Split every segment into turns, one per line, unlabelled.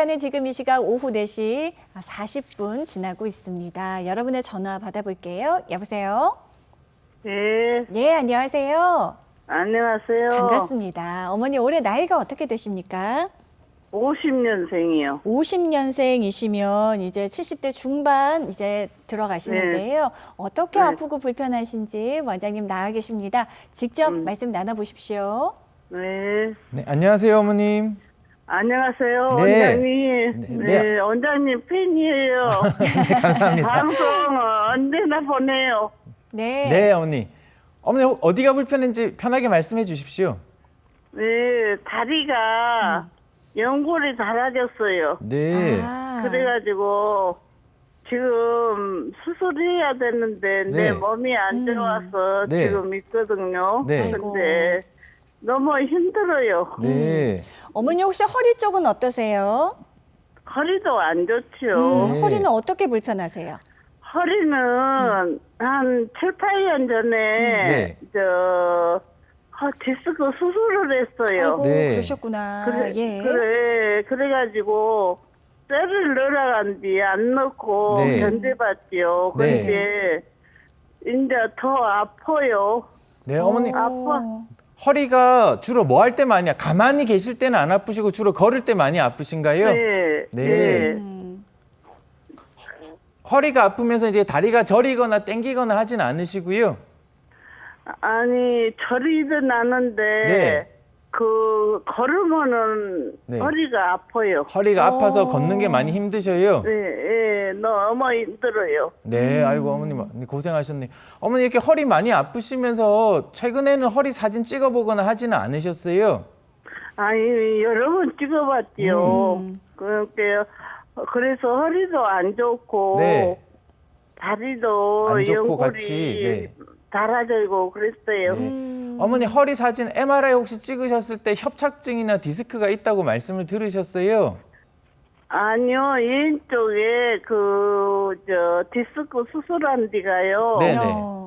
시간은 지금 이 시각 오후 4시 40분 지나고 있습니다. 여러분의 전화 받아볼게요. 여보세요?
네,
네, 안녕하세요.
안녕하세요.
반갑습니다. 어머니 올해 나이가 어떻게 되십니까?
50년생이요.
50년생이시면 이제 70대 중반 이제 들어가시는데요. 어떻게
네.
아프고 불편하신지 원장님 나와 계십니다. 직접 말씀 나눠보십시오.
네,
네, 안녕하세요, 어머님.
안녕하세요,
네.
원장님.
네,
네,
네.
원장님 팬이에요.
네, 감사합니다.
방송 언제나 보내요.
네.
네, 어머니. 어머니, 어디가 불편한지 편하게 말씀해 주십시오.
네, 다리가 연골이 닳아졌어요.
네.
아,
그래가지고 지금 수술해야 되는데 내
네.
몸이 안 좋아서
네.
지금 있거든요.
네.
근데 너무 힘들어요.
네.
어머니 혹시 허리 쪽은 어떠세요?
허리도 안 좋죠.
네.
허리는 어떻게 불편하세요?
허리는 한 7, 8년 전에
네.
디스크 수술을 했어요.
아이고,
네.
그러셨구나. 예.
그래가지고 쇠를 넣으라간 뒤 안 넣고
네.
견뎌봤지요.
네.
근데 이제 더 아파요.
네, 어머니.
아파.
허리가 주로 뭐 할 때 많이, 가만히 계실 때는 안 아프시고 주로 걸을 때 많이 아프신가요?
네.
네. 허리가 아프면서 이제 다리가 저리거나 땡기거나 하진 않으시고요.
아니 저리든 않은데
네.
그 걸으면은
네.
허리가 아파요.
허리가 아파서
어.
걷는 게 많이 힘드셔요.
네, 너무 힘들어요.
네, 아이고 어머님 고생하셨네요. 어머니 이렇게 허리 많이 아프시면서 최근에는 허리 사진 찍어보거나 하지는 않으셨어요?
아니 여러 번 찍어봤지요. 그래서 허리도 안 좋고
네.
다리도
안 좋고
연골이
같이, 네.
닳아지고 그랬어요.
네. 어머니 허리 사진 MRI 혹시 찍으셨을 때 협착증이나 디스크가 있다고 말씀을 들으셨어요?
아니요, 왼쪽에 디스크 수술한 데가요.
네.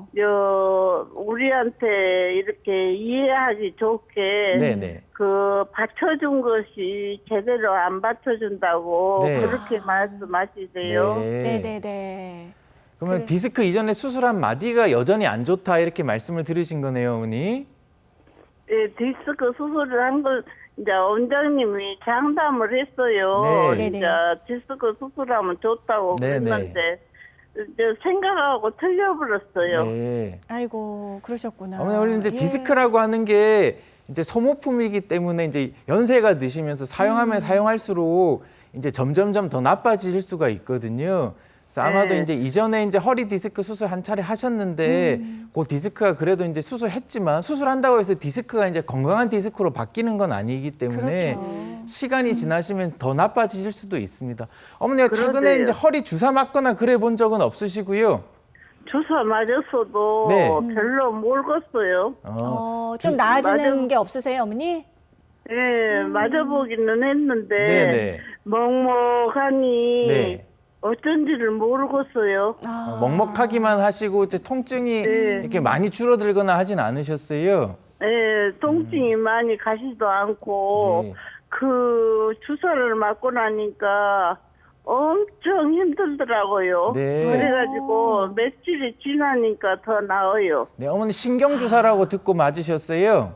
우리한테 이렇게 이해하기 좋게
네네.
받쳐준 것이 제대로 안 받쳐준다고
네.
그렇게 말씀하시세요.
네네네.
그러면 디스크 이전에 수술한 마디가 여전히 안 좋다 이렇게 말씀을 들으신 거네요, 어머니?
예, 디스크 수술을 한 걸 이제 원장님이 장담을 했어요.
네.
이제 디스크 수술하면 좋다고
네,
그랬는데 이제 생각하고 틀려버렸어요.
네.
아이고, 그러셨구나.
어머니 원래 이제
예.
디스크라고 하는 게 이제 소모품이기 때문에 이제 연세가 드시면서 사용하면 사용할수록 이제 점점점 더 나빠질 수가 있거든요. 그래서 아마도
네.
이제 이전에 이제 허리 디스크 수술 한 차례 하셨는데 그 디스크가 그래도 이제 수술했지만 수술한다고 해서 디스크가 이제 건강한 디스크로 바뀌는 건 아니기 때문에
그렇죠.
시간이 지나시면 더 나빠지실 수도 있습니다. 어머니가 최근에
그러게요.
이제 허리 주사 맞거나 그래 본 적은 없으시고요.
주사 맞았어도
네.
별로 모르겠어요.
좀 나아지는
맞아.
게 없으세요, 어머니?
예, 맞아보기는 했는데
네네.
먹먹하니
네.
어쩐지를 모르겠어요.
먹먹하기만 하시고 이제 통증이
네.
이렇게 많이 줄어들거나 하진 않으셨어요.
예, 통증이 많이 가시도 않고
네.
그 주사를 맞고 나니까 엄청 힘들더라고요.
네.
그래가지고 며칠이 지나니까 더 나아요.
네, 어머니 신경 주사라고 듣고 맞으셨어요.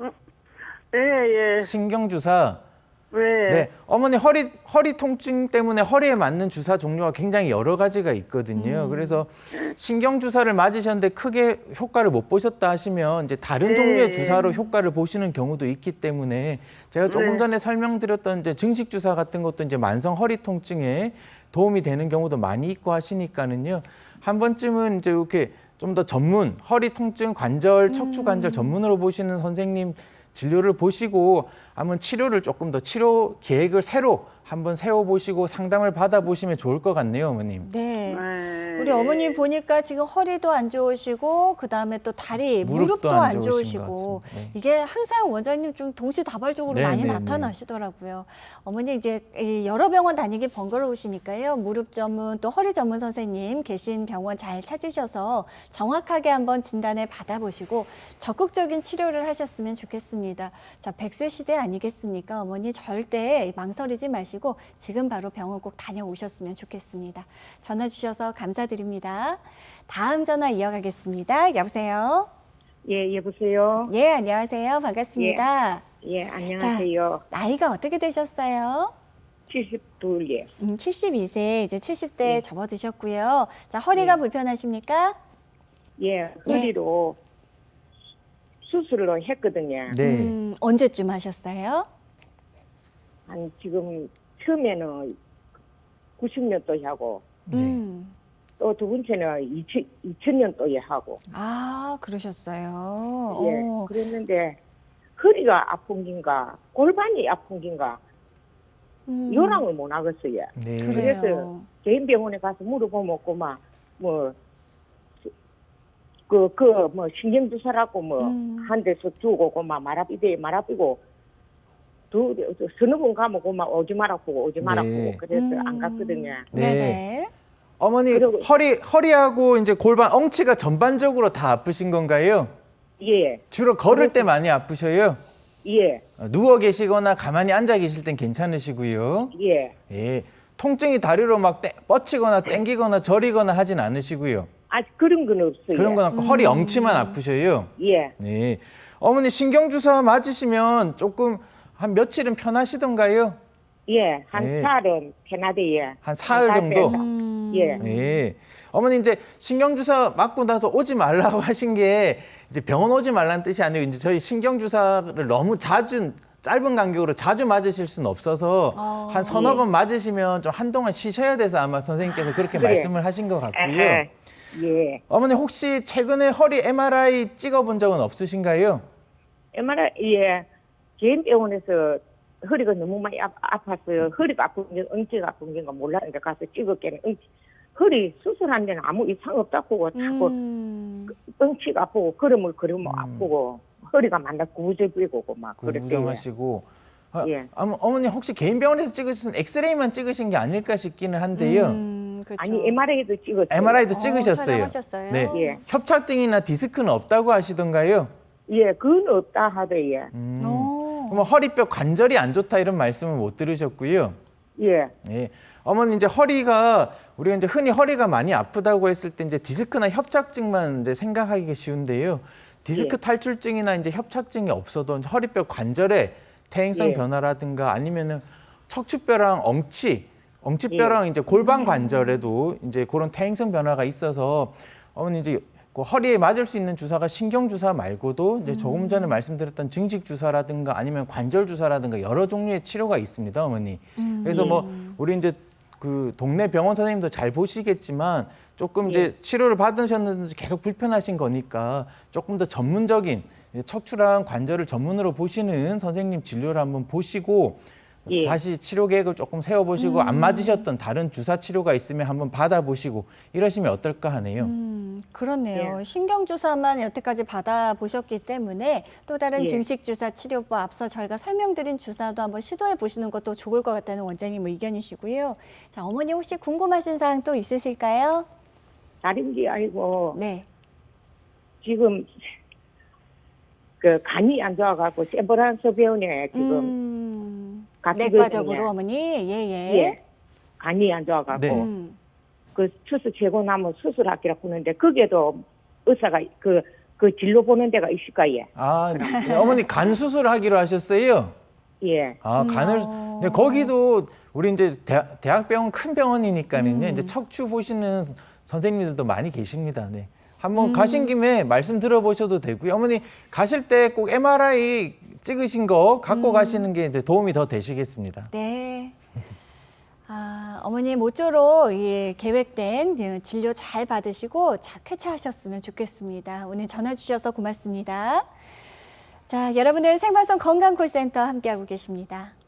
예, 예.
신경 주사.
네.
네, 어머니 허리 통증 때문에 허리에 맞는 주사 종류가 굉장히 여러 가지가 있거든요. 그래서 신경 주사를 맞으셨는데 크게 효과를 못 보셨다 하시면 이제 다른
네.
종류의 주사로 효과를 보시는 경우도 있기 때문에 제가 조금
네.
전에 설명드렸던 이제 증식 주사 같은 것도 이제 만성 허리 통증에 도움이 되는 경우도 많이 있고 하시니까는요. 한 번쯤은 이제 이렇게 좀 더 전문 허리 통증 관절 척추 관절 전문으로 보시는 선생님 진료를 보시고 한번 치료를 조금 더 치료 계획을 새로 한번 세워보시고 상담을 받아보시면 좋을 것 같네요, 어머님.
네. 네.
네.
우리 어머니 보니까 지금 허리도 안 좋으시고 그다음에 또 다리, 무릎도 안
좋으신 것
좋으시고
같습니다. 네.
이게 항상 원장님 좀 동시다발적으로
네,
많이
네,
나타나시더라고요. 어머니 이제 이 여러 병원 다니기 번거로우시니까요. 무릎 전문 또 허리 전문 선생님 계신 병원 잘 찾으셔서 정확하게 한번 진단을 받아보시고 적극적인 치료를 하셨으면 좋겠습니다. 자, 100세 시대 아니겠습니까? 어머니 절대 망설이지 마시고 지금 바로 병원 꼭 다녀오셨으면 좋겠습니다. 전화 주셔서 감사드립니다. 다음 전화 이어가겠습니다. 여보세요?
예, 여보세요.
예, 안녕하세요. 반갑습니다.
예, 안녕하세요.
나이가 어떻게 되셨어요?
72예.
72세, 이제 70대 접어드셨고요. 자, 허리가 불편하십니까?
예, 허리로 수술을 했거든요.
네.
언제쯤 하셨어요?
한 지금 처음에는 90년도에 하고
네.
또 두 번째는 2000년도에 하고
아, 그러셨어요.
예, 그랬는데 허리가 아픈 긴가 골반이 아픈 긴가 요랑을 못 하겠어요.
네.
그래요.
그래서 개인 병원에 가서 물어보면 그만 뭐 뭐 신경주사라고 뭐 한 대서 주고 그만 말아비고 서너 번 가면 그만 오지 말아보고
네.
그래서 안 갔거든요.
네.
네.
네.
어머니
그리고-
허리하고 이제 골반, 엉치가 전반적으로 다 아프신 건가요?
예,
주로 걸을 때 많이 아프셔요?
예,
누워 계시거나 가만히 앉아 계실 땐 괜찮으시고요.
예.
예. 통증이 다리로 막 뻗치거나 땡기거나 저리거나 하진 않으시고요.
아직 그런 건 없어요.
그런 건 없고 허리 엉치만 아프셔요.
예,
네. 어머니 신경주사 맞으시면 조금 한 며칠은 편하시던가요?
예. 한
예.
사흘은 캐나다에
한 사흘 정도?
예,
네. 어머니 이제 신경주사 맞고 나서 오지 말라고 하신 게 이제 병원 오지 말라는 뜻이 아니고 이제 저희 신경주사를 너무 자주 짧은 간격으로 자주 맞으실 수는 없어서 한 서너 번 맞으시면 좀 한동안 쉬셔야 돼서 아마 선생님께서 그렇게
그래.
말씀을 하신 것 같고요.
예.
어머니 혹시 최근에 허리 MRI 찍어본 적은 없으신가요?
MRI 예. 개인 병원에서 허리가 너무 많이 아팠어요. 허리가 아픈 게 엉치가 아픈 게가 몰랐는데 가서 찍었기는 허리 수술한 데는 아무 이상 없다고 자꾸 엉치가 아프고 걸음을 걸으면 아프고 허리가 만나 구부정이고 막 그랬대요.
구부정하시고.
예.
어머니 혹시 개인 병원에서 찍으신 엑스레이만 찍으신 게 아닐까 싶기는 한데요.
그렇죠.
아니 MRI도 찍었어요.
MRI도 찍으셨어요.
촬영하셨어요?
네.
예.
협착증이나 디스크는 없다고 하시던가요?
예, 그건 없다 하더예.
그럼 허리뼈 관절이 안 좋다 이런 말씀은 못 들으셨고요.
예,
예. 어머니 이제 허리가 우리가 이제 흔히 허리가 많이 아프다고 했을 때 이제 디스크나 협착증만 이제 생각하기 쉬운데요. 디스크
예.
탈출증이나 이제 협착증이 없어도 이제 허리뼈 관절에 퇴행성
예.
변화라든가 아니면은 척추뼈랑 엉치뼈랑 이제 골반 관절에도 이제 그런 퇴행성 변화가 있어서 어머니 이제 그 허리에 맞을 수 있는 주사가 신경 주사 말고도 이제 조금 전에 말씀드렸던 증식 주사라든가 아니면 관절 주사라든가 여러 종류의 치료가 있습니다, 어머니. 그래서 뭐 우리 이제 그 동네 병원 선생님도 잘 보시겠지만 조금 이제 치료를 받으셨는데 계속 불편하신 거니까 조금 더 전문적인 척추랑 관절을 전문으로 보시는 선생님 진료를 한번 보시고
예.
다시 치료 계획을 조금 세워보시고 안 맞으셨던 다른 주사 치료가 있으면 한번 받아보시고 이러시면 어떨까 하네요.
그렇네요. 신경주사만 여태까지 받아보셨기 때문에 또 다른
예.
증식주사 치료법 앞서 저희가 설명드린 주사도 한번 시도해 보시는 것도 좋을 것 같다는 원장님 의견이시고요. 자, 어머니 혹시 궁금하신 사항 또 있으실까요?
다른 게 아니고
네.
지금 그 간이 안 좋아갖고 세브란스 병원에 지금
내과적으로 어머니 예예.
예. 간이 안 좋아갖고
네.
그 수술 제고 나면 수술하기로 하는데 거기에도 의사가 그 진료 보는 데가 있을까요?
아, 네, 어머니 간 수술하기로 하셨어요?
예.
아, 간을. 네, 거기도 우리 이제 대학병원 큰 병원이니까는요. 이제 척추 보시는 선생님들도 많이 계십니다. 네. 한번 가신 김에 말씀 들어보셔도 되고요. 어머니 가실 때 꼭 MRI 찍으신 거 갖고 가시는 게 이제 도움이 더 되시겠습니다.
네. 아, 어머니 모쪼록 계획된 진료 잘 받으시고 쾌차하셨으면 좋겠습니다. 오늘 전화 주셔서 고맙습니다. 자, 여러분들 생방송 건강콜센터 함께하고 계십니다.